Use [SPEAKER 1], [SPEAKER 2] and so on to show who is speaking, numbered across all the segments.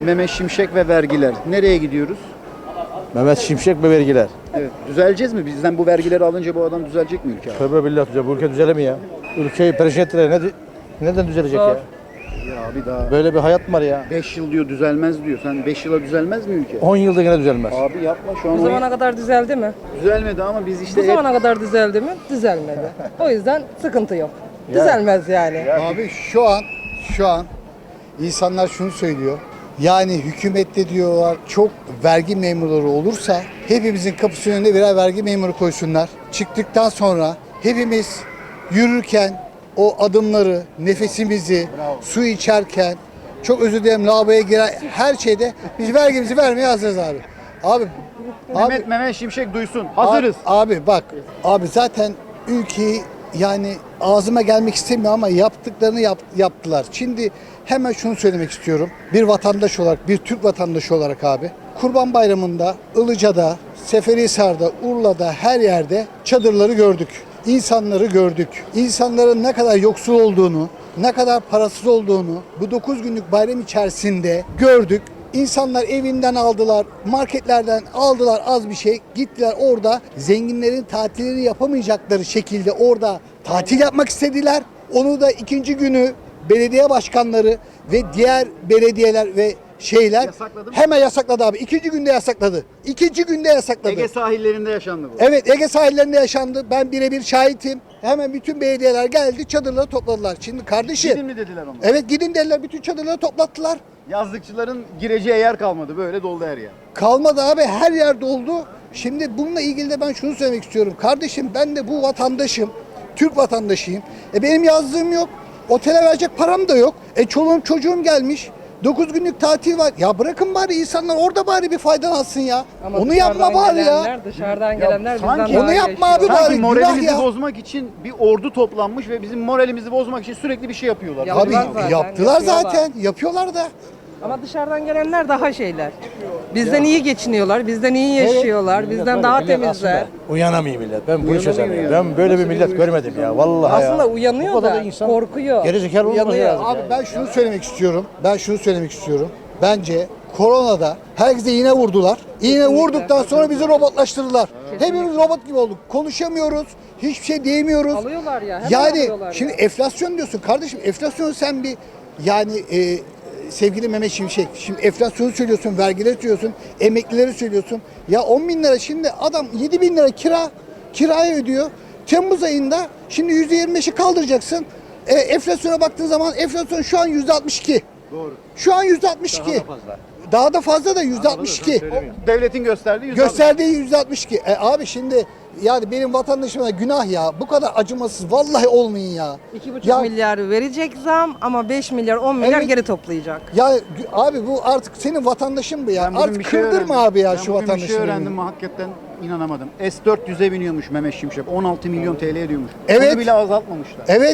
[SPEAKER 1] Mehmet Şimşek ve vergiler. Nereye gidiyoruz?
[SPEAKER 2] Mehmet Şimşek ve vergiler.
[SPEAKER 1] Evet. Düzeleceğiz mi? Bizden bu vergileri alınca bu adam düzelecek mi ülke abi?
[SPEAKER 2] Tövbe billah düzel. Bu ülke düzelemiyor ya. Ülkeyi perişan ettiler. Neden düzelecek ya?
[SPEAKER 1] Ya abi daha
[SPEAKER 2] Böyle bir hayat mı var ya?
[SPEAKER 1] 5 yıl diyor düzelmez diyor. Sen 5 yıla düzelmez mi ülke?
[SPEAKER 2] 10 yılda yine düzelmez.
[SPEAKER 1] Abi yapma şu an
[SPEAKER 3] Bu zamana kadar düzeldi mi?
[SPEAKER 1] düzelmedi ama biz işte
[SPEAKER 3] Bu zamana kadar düzeldi mi? Düzelmedi. O yüzden sıkıntı yok. Düzelmez yani.
[SPEAKER 4] Abi şu an insanlar şunu söylüyor. Yani hükümette diyorlar çok vergi memurları olursa hepimizin kapısının önüne birer vergi memuru koysunlar. Çıktıktan sonra hepimiz yürürken o adımları, nefesimizi, su içerken çok özür dilerim lavaboya giren her şeyde biz vergimizi vermeye hazırız abi.
[SPEAKER 1] Mehmet Şimşek duysun. Hazırız.
[SPEAKER 4] Abi bak, abi zaten ülkeyi yani ağzıma gelmek istemiyor ama yaptıklarını yaptılar. Şimdi hemen şunu söylemek istiyorum. Bir vatandaş olarak, bir Türk vatandaşı olarak abi. Kurban Bayramı'nda, Ilıca'da, Seferihisar'da, Urla'da her yerde çadırları gördük. İnsanları gördük. İnsanların ne kadar yoksul olduğunu, ne kadar parasız olduğunu bu 9 günlük bayram içerisinde gördük. İnsanlar evinden aldılar, marketlerden aldılar az bir şey. Gittiler orada zenginlerin tatillerini yapamayacakları şekilde orada tatil yapmak istediler. Onu da ikinci günü belediye başkanları ve diğer belediyeler ve şeyler
[SPEAKER 1] Yasakladı mı?
[SPEAKER 4] hemen yasakladı abi. İkinci günde yasakladı. İkinci günde yasakladı.
[SPEAKER 1] Ege sahillerinde yaşandı bu.
[SPEAKER 4] Evet, Ege sahillerinde yaşandı. Ben birebir şahitim. Hemen bütün belediyeler geldi, çadırları topladılar. Şimdi kardeşim.
[SPEAKER 1] Gidin mi dediler ona?
[SPEAKER 4] Evet gidin dediler, bütün çadırları toplattılar.
[SPEAKER 1] Yazlıkçıların gireceği yer kalmadı. Böyle doldu her yer.
[SPEAKER 4] Kalmadı abi, her yer doldu. Şimdi bununla ilgili de ben şunu söylemek istiyorum. Kardeşim ben de bu vatandaşım, Türk vatandaşıyım. Benim yazdığım yok, otele verecek param da yok. Çoluğum çocuğum gelmiş. 9 günlük tatil var. Ya bırakın bari insanlar orada bari bir faydalansın ya.
[SPEAKER 3] Ama
[SPEAKER 4] Onu
[SPEAKER 3] dışarıdan
[SPEAKER 4] yapma bari ya.
[SPEAKER 3] gelenler, Dışarıdan gelenler bizden
[SPEAKER 1] sanki-
[SPEAKER 3] daha
[SPEAKER 4] Onu
[SPEAKER 3] iyi
[SPEAKER 4] yapma
[SPEAKER 3] yaşıyor.
[SPEAKER 4] abi bari.
[SPEAKER 1] Sanki
[SPEAKER 4] günah
[SPEAKER 1] moralimizi
[SPEAKER 4] ya.
[SPEAKER 1] bozmak için bir ordu toplanmış ve bizim moralimizi bozmak için sürekli bir şey yapıyorlar.
[SPEAKER 3] Ya-
[SPEAKER 4] Abi
[SPEAKER 3] Yaptılar zaten,
[SPEAKER 4] yaptılar
[SPEAKER 3] yapıyorlar.
[SPEAKER 4] zaten. Yapıyorlar da.
[SPEAKER 3] Ama dışarıdan gelenler daha şeyler. Bizden iyi geçiniyorlar, bizden iyi yaşıyorlar, bizden daha temizler.
[SPEAKER 2] Uyanamıyor millet. Ben bu işe
[SPEAKER 1] Uyanamıyor
[SPEAKER 2] sanıyorum.
[SPEAKER 1] ya.
[SPEAKER 2] Ben böyle bir millet görmedim ya. Vallahi ya.
[SPEAKER 3] Aslında uyanıyor
[SPEAKER 2] Bu kadar
[SPEAKER 3] da
[SPEAKER 2] insan
[SPEAKER 3] korkuyor.
[SPEAKER 2] Gerizekalı olması
[SPEAKER 3] Uyanıyor.
[SPEAKER 2] lazım.
[SPEAKER 4] Abi ben şunu söylemek istiyorum. Bence koronada herkese iğne vurdular. İğne vurduktan sonra bizi robotlaştırdılar. Hepimiz robot gibi olduk. Konuşamıyoruz. Hiçbir şey diyemiyoruz.
[SPEAKER 3] Alıyorlar ya, hemen
[SPEAKER 4] Yani
[SPEAKER 3] alıyorlar
[SPEAKER 4] şimdi
[SPEAKER 3] ya.
[SPEAKER 4] enflasyon diyorsun kardeşim. Enflasyonu sen bir yani sevgili Mehmet Şimşek. Şimdi enflasyonu söylüyorsun, vergileri söylüyorsun, emeklileri söylüyorsun. Ya 10 bin lira şimdi adam 7 bin lira kiraya ödüyor. Temmuz ayında şimdi %25'i kaldıracaksın. Enflasyona baktığın zaman enflasyon şu an %62.
[SPEAKER 1] Doğru.
[SPEAKER 4] Şu an %62. Daha da fazla da %62.
[SPEAKER 1] Devletin gösterdiği
[SPEAKER 4] Gösterdiği %62. Abi şimdi yani benim vatandaşıma günah ya. Bu kadar acımasız vallahi olmayın ya.
[SPEAKER 3] 2,5
[SPEAKER 4] Ya-
[SPEAKER 3] milyar verecek zam ama 5 milyar 10 milyar
[SPEAKER 4] Evet.
[SPEAKER 3] geri toplayacak.
[SPEAKER 4] Ya abi bu artık senin vatandaşın bu ya.
[SPEAKER 1] Ben bugün
[SPEAKER 4] Artık
[SPEAKER 1] bir şey
[SPEAKER 4] kırdırma
[SPEAKER 1] öğrendim.
[SPEAKER 4] abi ya
[SPEAKER 1] Ben
[SPEAKER 4] şu
[SPEAKER 1] bugün bir
[SPEAKER 4] vatandaşını.
[SPEAKER 1] şey öğrendim hakikaten inanamadım. S400'e biniyormuş Mehmet Şimşek. 16 milyon TL ediyormuş.
[SPEAKER 4] Evet.
[SPEAKER 1] Onu bile azaltmamışlar.
[SPEAKER 4] Evet.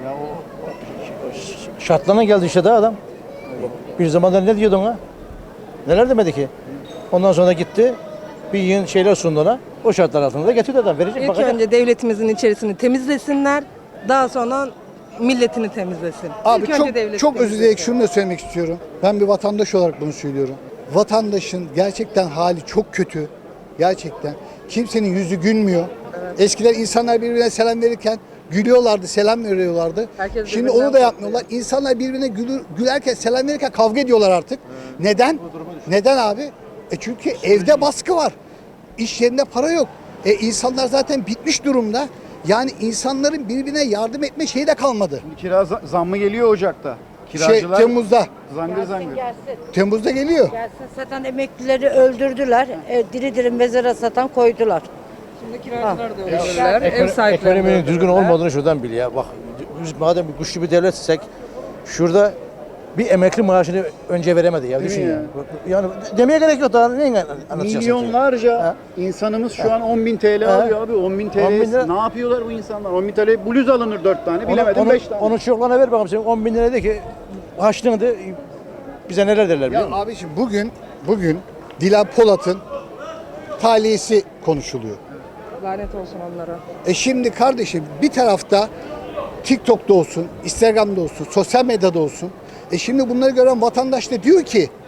[SPEAKER 2] Şartlarına geldi işte daha adam. Bir zamanlar ne diyordun ha? Neler demedi ki? Ondan sonra gitti. Bir yığın şeyler sundu ona. O şartlar altında da getirdi adam. Verecek
[SPEAKER 3] İlk
[SPEAKER 2] bakacak.
[SPEAKER 3] önce devletimizin içerisini temizlesinler. Daha sonra milletini temizlesin.
[SPEAKER 4] Abi
[SPEAKER 3] İlk önce devleti
[SPEAKER 4] çok özür
[SPEAKER 3] temizlesin.
[SPEAKER 4] dileyerek şunu da söylemek istiyorum. Ben bir vatandaş olarak bunu söylüyorum. Vatandaşın gerçekten hali çok kötü. Gerçekten. Kimsenin yüzü gülmüyor. Eskiden insanlar birbirine selam verirken gülüyorlardı, selam veriyorlardı.
[SPEAKER 3] Herkes
[SPEAKER 4] Şimdi
[SPEAKER 3] birbirinden
[SPEAKER 4] onu da yapmıyorlar. İnsanlar birbirine gülerken, selam verirken kavga ediyorlar artık. Neden? Neden abi? Çünkü evde baskı var. İş yerinde para yok. İnsanlar zaten bitmiş durumda. Yani insanların birbirine yardım etme şeyi de kalmadı.
[SPEAKER 1] Kira zammı geliyor Ocak'ta. Kiracılar
[SPEAKER 4] Temmuz'da.
[SPEAKER 1] zangır zangır.
[SPEAKER 5] Gelsin.
[SPEAKER 4] Temmuz'da geliyor.
[SPEAKER 5] Gelsin. Satan emeklileri öldürdüler. Diri diri mezara satan koydular.
[SPEAKER 3] Şimdi kiracılar da öldürürler, ev sahipleri de
[SPEAKER 2] Ekonominin düzgün
[SPEAKER 3] öldürürler.
[SPEAKER 2] olmadığını şuradan bil ya. Bak biz madem bir güçlü bir devletsek şurada bir emekli maaşını önce veremedi ya. Düşün
[SPEAKER 1] mi
[SPEAKER 2] ya. Yani demeye gerek yok daha neyin anlatacaksın ki?
[SPEAKER 1] Milyonlarca
[SPEAKER 2] Ha?
[SPEAKER 1] insanımız şu an 10.000 TL alıyor abi. 10.000 TL
[SPEAKER 2] 10.000 lira.
[SPEAKER 1] ne yapıyorlar bu insanlar? 10.000 TL bluz alınır 4 tane bilemedim
[SPEAKER 2] Onu,
[SPEAKER 1] 5 tane.
[SPEAKER 2] onu çocuklarına ver bakalım. Senin 10 bin lira de ki harçlığını de bize neler derler biliyor
[SPEAKER 4] Ya
[SPEAKER 2] musun?
[SPEAKER 4] abiciğim bugün Dilan Polat'ın talihisi konuşuluyor.
[SPEAKER 3] Lanet olsun onlara.
[SPEAKER 4] Şimdi kardeşim bir tarafta TikTok'ta olsun, Instagram'da olsun, sosyal medyada olsun. Şimdi bunları gören vatandaş da diyor ki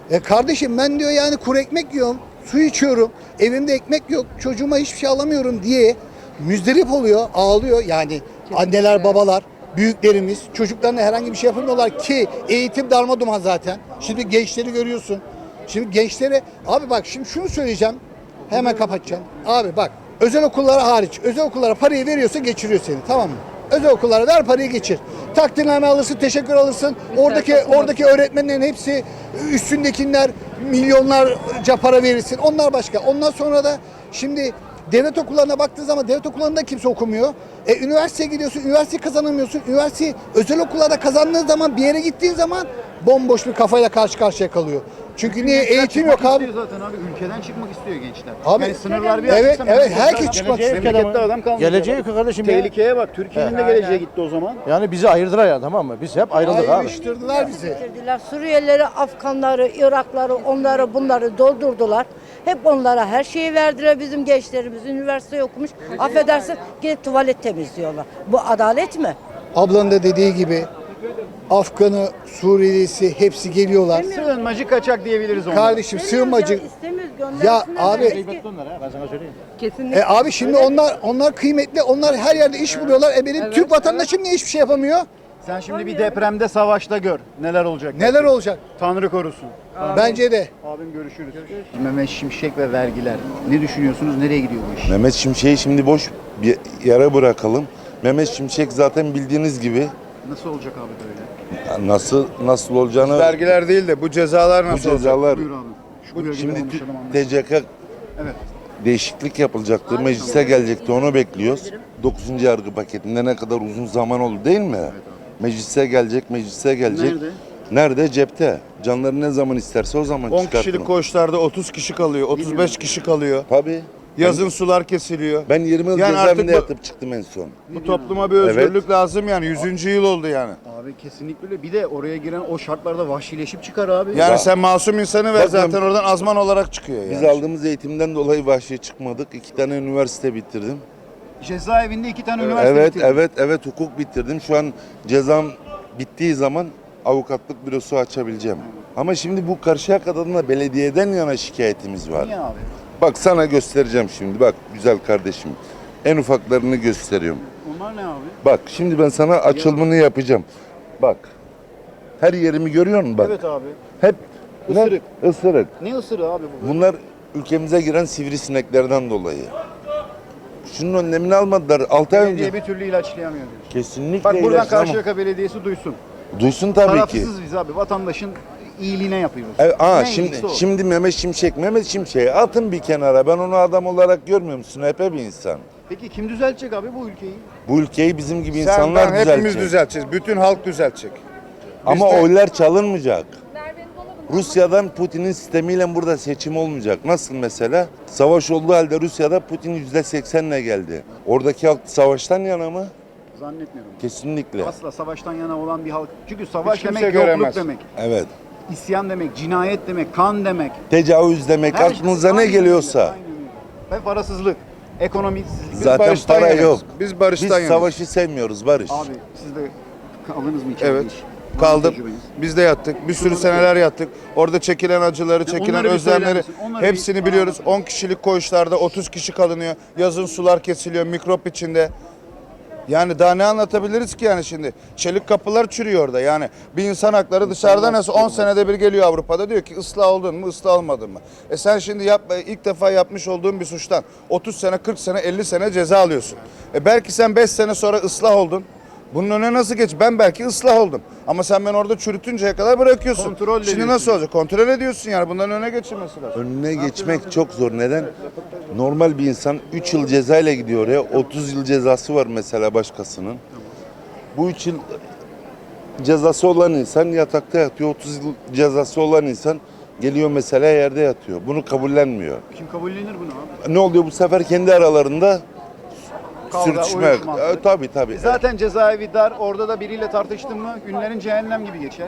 [SPEAKER 4] Kardeşim ben diyor yani kuru ekmek yiyorum, su içiyorum, evimde ekmek yok, çocuğuma hiçbir şey alamıyorum diye müzdarip oluyor, ağlıyor. Yani anneler, babalar, büyüklerimiz çocuklarına herhangi bir şey yapamıyorlar ki eğitim darmadağın zaten. Şimdi gençleri görüyorsun. Şimdi gençlere abi bak şimdi şunu söyleyeceğim. Hemen kapatacağım. Abi bak özel okullara hariç, özel okullara parayı veriyorsa geçiriyor seni, tamam mı? Özel okullara ver parayı geçir. Takdirname alırsın, teşekkür alırsın. Oradaki öğretmenlerin hepsi üstündekiler milyonlarca para verirsin. Onlar başka. Ondan sonra da şimdi devlet okullarına baktığın zaman devlet okullarında kimse okumuyor. Üniversiteye gidiyorsun, üniversiteyi kazanamıyorsun. Üniversiteyi özel okullarda kazandığın zaman bir yere gittiğin zaman bomboş bir kafayla karşı karşıya kalıyor. Çünkü niye
[SPEAKER 1] Gençler
[SPEAKER 4] eğitim
[SPEAKER 1] çıkmak
[SPEAKER 4] yok abi?
[SPEAKER 1] istiyor zaten abi. Ülkeden çıkmak istiyor gençler.
[SPEAKER 4] Abi,
[SPEAKER 1] yani sınırlar bir
[SPEAKER 4] evet,
[SPEAKER 1] açılsa
[SPEAKER 4] evet,
[SPEAKER 1] memlekette
[SPEAKER 4] herkes
[SPEAKER 1] adam-
[SPEAKER 4] çıkmak
[SPEAKER 2] istiyor.
[SPEAKER 1] Memlekette adam kalmayacak.
[SPEAKER 2] Geleceği yok kardeşim ya.
[SPEAKER 1] Tehlikeye bak. Türkiye'nin de geleceğe gitti o zaman.
[SPEAKER 2] Yani bizi ayırdılar ya, tamam mı? Biz hep ayrıldık abi.
[SPEAKER 4] Ayrıştırdılar bizi.
[SPEAKER 5] Getirdiler. Suriyelileri, Afganları, Irakları, onları bunları doldurdular. Hep onlara her şeyi verdiler. Bizim gençlerimiz üniversite okumuş. Affedersin gidip tuvalet temizliyorlar. Bu adalet mi?
[SPEAKER 4] Ablanın da dediği gibi Afganı, Suriyelisi hepsi geliyorlar.
[SPEAKER 1] Sığınmacı kaçak diyebiliriz ona.
[SPEAKER 4] Kardeşim sığınmacı.
[SPEAKER 5] İstemiyoruz,
[SPEAKER 4] Ya
[SPEAKER 5] göndersinler.
[SPEAKER 4] abi
[SPEAKER 2] Gıybetli onlar ha, ben sana söyleyeyim.
[SPEAKER 3] Kesinlikle.
[SPEAKER 4] abi şimdi onlar kıymetli. Onlar her yerde iş buluyorlar. Benim Türk vatandaşım niye hiçbir şey yapamıyor?
[SPEAKER 1] Sen şimdi bir depremde, savaşta gör. Neler olacak?
[SPEAKER 4] Neler olacak?
[SPEAKER 1] Tanrı korusun.
[SPEAKER 4] Bence de.
[SPEAKER 1] Abim görüşürüz. Mehmet Şimşek ve vergiler. Ne düşünüyorsunuz? Nereye gidiyor bu iş?
[SPEAKER 6] Mehmet Şimşek'i şimdi boş bir yere bırakalım. Mehmet Şimşek zaten bildiğiniz gibi
[SPEAKER 1] Nasıl olacak abi böyle?
[SPEAKER 6] nasıl olacağını
[SPEAKER 7] Vergiler değil de bu cezalar
[SPEAKER 6] bu
[SPEAKER 7] nasıl olacak?
[SPEAKER 6] cezalar
[SPEAKER 1] Buyur abi. Şu bölgede
[SPEAKER 6] şimdi
[SPEAKER 1] konuşalım, anlaşalım.
[SPEAKER 6] TCK
[SPEAKER 1] Evet.
[SPEAKER 6] değişiklik yapılacaktı. Meclise gelecekti. Onu bekliyoruz. 9. yargı paketinde ne kadar uzun zaman oldu değil mi? Meclise gelecek.
[SPEAKER 1] Nerede?
[SPEAKER 6] Nerede? Cepte. Canları ne zaman isterse o zaman
[SPEAKER 7] 10
[SPEAKER 6] çıkartın.
[SPEAKER 7] kişilik koğuşlarda 30 kişi kalıyor, 35 kişi kalıyor.
[SPEAKER 6] Tabii.
[SPEAKER 7] Yazın sular kesiliyor.
[SPEAKER 6] Ben 20 yıl
[SPEAKER 7] Yani artık
[SPEAKER 6] cezaevinde
[SPEAKER 7] bu-
[SPEAKER 6] yatıp çıktım en son.
[SPEAKER 7] Bu topluma bir özgürlük lazım yani. 100. yıl oldu yani.
[SPEAKER 1] Abi kesinlikle öyle. Bir de oraya giren o şartlarda vahşileşip çıkar abi.
[SPEAKER 7] Yani
[SPEAKER 6] Ya-
[SPEAKER 7] sen masum insanı ver
[SPEAKER 6] Bakın-
[SPEAKER 7] zaten oradan azman olarak çıkıyor yani.
[SPEAKER 6] Biz aldığımız eğitimden dolayı vahşi çıkmadık. 2 tane üniversite bitirdim.
[SPEAKER 1] Cezaevinde 2 tane üniversite
[SPEAKER 6] Evet,
[SPEAKER 1] bitirdin.
[SPEAKER 6] evet hukuk bitirdim. Şu an cezam bittiği zaman avukatlık bürosu açabileceğim. Ama şimdi bu Karşıyaka'dan da belediyeden yana şikayetimiz var.
[SPEAKER 1] Niye abi?
[SPEAKER 6] Bak sana göstereceğim şimdi. Bak güzel kardeşim. En ufaklarını gösteriyorum.
[SPEAKER 1] Onlar ne abi?
[SPEAKER 6] Bak şimdi ben sana açılımını yapacağım. Bak. Her yerimi görüyor musun bak?
[SPEAKER 1] Evet abi.
[SPEAKER 6] Hep
[SPEAKER 1] Isırık.
[SPEAKER 6] Ne? Isırık.
[SPEAKER 1] Ne ısırığı abi bu?
[SPEAKER 6] Bunlar ülkemize giren sivrisineklerden dolayı. Şunun önlemini almadılar. 6 ay
[SPEAKER 1] Belediye
[SPEAKER 6] önce.
[SPEAKER 1] bir türlü ilaçlayamıyor diyorsun.
[SPEAKER 6] Kesinlikle
[SPEAKER 1] Bak buradan
[SPEAKER 6] ilaçlama.
[SPEAKER 1] Karşıyaka Belediyesi duysun.
[SPEAKER 6] Duysun tabii ki.
[SPEAKER 1] Tarafsızız biz abi. Vatandaşın iyiliğine yapıyoruz.
[SPEAKER 6] Evet,
[SPEAKER 1] Ne
[SPEAKER 6] şimdi
[SPEAKER 1] iyisi o?
[SPEAKER 6] şimdi Mehmet Şimşek'i atın bir kenara. Ben onu adam olarak görmüyorum. Sünepe bir insan.
[SPEAKER 1] Peki kim düzeltecek abi bu ülkeyi?
[SPEAKER 6] Bu ülkeyi bizim gibi
[SPEAKER 7] Sen
[SPEAKER 6] insanlar
[SPEAKER 7] ben hepimiz
[SPEAKER 6] düzeltecek.
[SPEAKER 7] düzelteceğiz. Bütün halk düzeltecek.
[SPEAKER 6] Ama
[SPEAKER 7] Biz de-
[SPEAKER 6] oylar çalınmayacak. Rusya'dan Putin'in sistemiyle burada seçim olmayacak. Nasıl mesela? Savaş olduğu halde Rusya'da Putin %80'le geldi. Oradaki halk savaştan yana mı?
[SPEAKER 1] Zannetmiyorum.
[SPEAKER 6] Kesinlikle.
[SPEAKER 1] Asla savaştan yana olan bir halk. Çünkü savaş
[SPEAKER 7] Hiç kimse
[SPEAKER 1] demek yokluk
[SPEAKER 7] göremez.
[SPEAKER 1] demek.
[SPEAKER 6] Evet.
[SPEAKER 1] İsyan demek, cinayet demek, kan demek.
[SPEAKER 6] Tecavüz demek,
[SPEAKER 1] Her
[SPEAKER 6] aklınıza
[SPEAKER 1] şey-
[SPEAKER 6] ne
[SPEAKER 1] Aynen
[SPEAKER 6] geliyorsa.
[SPEAKER 1] öyle, aynen öyle. Ve parasızlık, ekonomisizlik.
[SPEAKER 6] Zaten
[SPEAKER 7] barıştan
[SPEAKER 6] para
[SPEAKER 7] yanayız.
[SPEAKER 6] yok.
[SPEAKER 7] Biz barıştan
[SPEAKER 6] Biz
[SPEAKER 7] yanayız.
[SPEAKER 6] savaşı sevmiyoruz, barış.
[SPEAKER 1] Abi siz de kaldınız mı içeride
[SPEAKER 7] Evet.
[SPEAKER 1] hiç? Var mı
[SPEAKER 7] Kaldım.
[SPEAKER 1] tecrübeniz?
[SPEAKER 7] Biz de yattık. Bir sürü seneler yattık. Orada çekilen acıları, çekilen
[SPEAKER 1] onları bir söyler
[SPEAKER 7] özlemleri
[SPEAKER 1] misin? Onları bir
[SPEAKER 7] hepsini
[SPEAKER 1] bana
[SPEAKER 7] biliyoruz.
[SPEAKER 1] anlatın.
[SPEAKER 7] 10 kişilik koğuşlarda 30 kişi kalınıyor. Yazın sular kesiliyor, mikrop içinde. Yani daha ne anlatabiliriz ki yani şimdi? Çelik kapılar çürüyor orada. Yani bir insan hakları dışarıda nasıl 10 senede bir geliyor Avrupa'da diyor ki ıslah oldun mu, ıslah olmadın mı? Sen şimdi ilk defa yapmış olduğun bir suçtan 30 sene, 40 sene, 50 sene ceza alıyorsun. Belki sen 5 sene sonra ıslah oldun. Bunun önüne nasıl geç? Ben belki ıslah oldum. Ama sen beni orada çürütünceye kadar bırakıyorsun.
[SPEAKER 1] Kontrol
[SPEAKER 7] Şimdi
[SPEAKER 1] ediyorsun.
[SPEAKER 7] nasıl olacak? Kontrol ediyorsun yani. Bunların önüne geçilmesi lazım.
[SPEAKER 6] Önüne geçmek çok zor. Neden? Normal bir insan 3 yıl cezayla gidiyor oraya. 30 yıl cezası var mesela başkasının. Bu 3 yıl cezası olan insan yatakta yatıyor. 30 yıl cezası olan insan geliyor mesela yerde yatıyor. Bunu kabullenmiyor.
[SPEAKER 1] Kim kabullenir bunu abi?
[SPEAKER 6] Ne oluyor bu sefer kendi aralarında
[SPEAKER 1] Kavga,
[SPEAKER 6] sürtüşme.
[SPEAKER 1] uyuşma.
[SPEAKER 6] Tabii.
[SPEAKER 1] Zaten cezaevi dar. Orada da biriyle tartıştın mı günlerin cehennem gibi geçer.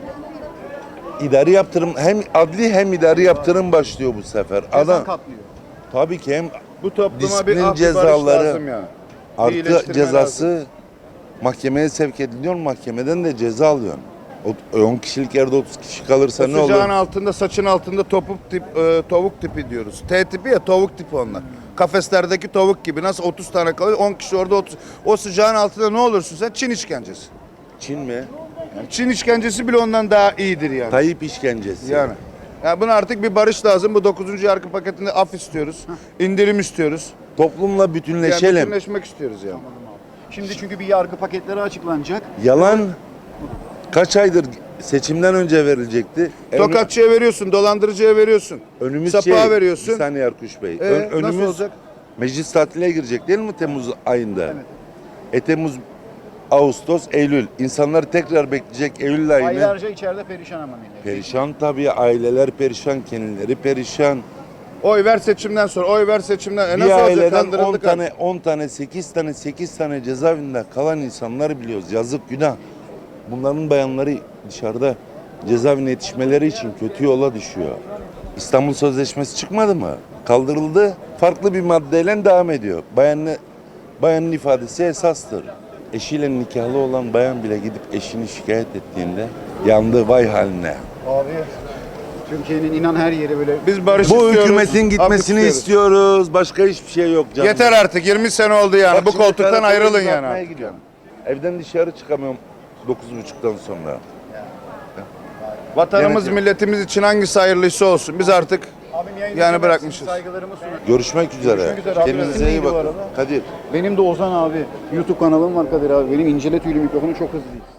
[SPEAKER 6] İdari yaptırım hem adli hem idari yaptırım başlıyor bu sefer.
[SPEAKER 1] Cezan katlıyor.
[SPEAKER 6] Tabii ki hem
[SPEAKER 7] Bu topluma
[SPEAKER 6] Disiplin
[SPEAKER 7] bir af, bir barış
[SPEAKER 6] cezaları,
[SPEAKER 7] lazım yani.
[SPEAKER 6] artı
[SPEAKER 7] İyileştirme
[SPEAKER 6] cezası
[SPEAKER 7] lazım.
[SPEAKER 6] mahkemeye sevk ediliyor. Mahkemeden de ceza alıyorsun. 10 kişilik yerde 30 kişi kalırsa
[SPEAKER 7] O
[SPEAKER 6] ne olur?
[SPEAKER 7] sıcağın altında, saçın altında tavuk tipi diyoruz. T tipi ya, tavuk tipi onlar. Kafeslerdeki tavuk gibi. Nasıl 30 tane kalıyor? 10 kişi orada 30. O sıcağın altında ne olursun sen? Çin işkencesi.
[SPEAKER 6] Çin mi?
[SPEAKER 7] Yani Çin işkencesi bile ondan daha iyidir yani.
[SPEAKER 6] Tayyip işkencesi.
[SPEAKER 7] Yani. Yani buna artık bir barış lazım. Bu 9. yargı paketinde af istiyoruz. İndirim istiyoruz.
[SPEAKER 6] Toplumla
[SPEAKER 7] Yani
[SPEAKER 6] bütünleşelim.
[SPEAKER 7] bütünleşmek istiyoruz yani.
[SPEAKER 1] Şimdi çünkü bir yargı paketleri açıklanacak.
[SPEAKER 6] Yalan kaç aydır seçimden önce verilecekti.
[SPEAKER 7] Tokatçıya veriyorsun, dolandırıcıya veriyorsun.
[SPEAKER 6] Önümüz
[SPEAKER 7] Sapığa veriyorsun.
[SPEAKER 6] Bir saniye Erkuş Bey.
[SPEAKER 7] Nasıl olacak?
[SPEAKER 6] Meclis tatiline girecek değil mi Temmuz ayında? Temmuz, Ağustos, Eylül. İnsanlar tekrar bekleyecek Eylül ayını.
[SPEAKER 1] Aylarca içeride perişan ama millet.
[SPEAKER 6] Perişan tabii, aileler perişan, kendileri perişan.
[SPEAKER 7] Oy ver seçimden sonra, oy ver seçimden.
[SPEAKER 6] Bir
[SPEAKER 7] Nasıl olacak?
[SPEAKER 6] aileden 10
[SPEAKER 7] Kandırıldık
[SPEAKER 6] tane, 10 tane, 8 tane cezaevinde kalan insanları biliyoruz. Yazık, günah. Bunların bayanları dışarıda cezaevine yetişmeleri için kötü yola düşüyor. İstanbul Sözleşmesi çıkmadı mı? Kaldırıldı. Farklı bir maddeyle devam ediyor. Bayanın ifadesi esastır. Eşiyle nikahlı olan bayan bile gidip eşini şikayet ettiğinde yandı, vay haline.
[SPEAKER 1] Abi Türkiye'nin inan her yeri böyle.
[SPEAKER 7] Biz barış
[SPEAKER 6] Bu
[SPEAKER 7] istiyoruz.
[SPEAKER 6] hükümetin
[SPEAKER 7] af
[SPEAKER 6] gitmesini istiyoruz. Başka hiçbir şey yok canım.
[SPEAKER 7] Yeter artık, 20 sene oldu yani.
[SPEAKER 6] Bak
[SPEAKER 7] Bu
[SPEAKER 6] şimdi
[SPEAKER 7] koltuktan
[SPEAKER 6] karakola
[SPEAKER 7] ayrılın
[SPEAKER 6] imza
[SPEAKER 7] yani.
[SPEAKER 6] atmaya gidiyorum. Evden dışarı çıkamıyorum 9.30'dan sonra.
[SPEAKER 7] Vatanımız,
[SPEAKER 6] Denetim.
[SPEAKER 7] milletimiz için hangisi hayırlıysa olsun. Biz artık
[SPEAKER 1] Abim yayında
[SPEAKER 7] yani
[SPEAKER 1] seversin,
[SPEAKER 7] bırakmışız.
[SPEAKER 1] Saygılarımı sunarım.
[SPEAKER 6] Görüşmek üzere.
[SPEAKER 1] Görüşmek üzere. Abi,
[SPEAKER 6] Kendinize
[SPEAKER 1] resim
[SPEAKER 6] iyi
[SPEAKER 1] neydi bu
[SPEAKER 6] bakın.
[SPEAKER 1] arada?
[SPEAKER 6] Kadir.
[SPEAKER 1] Benim de Ozan abi. YouTube kanalım var Kadir abi. Benim incele tüylü mikrofonu çok hızlı.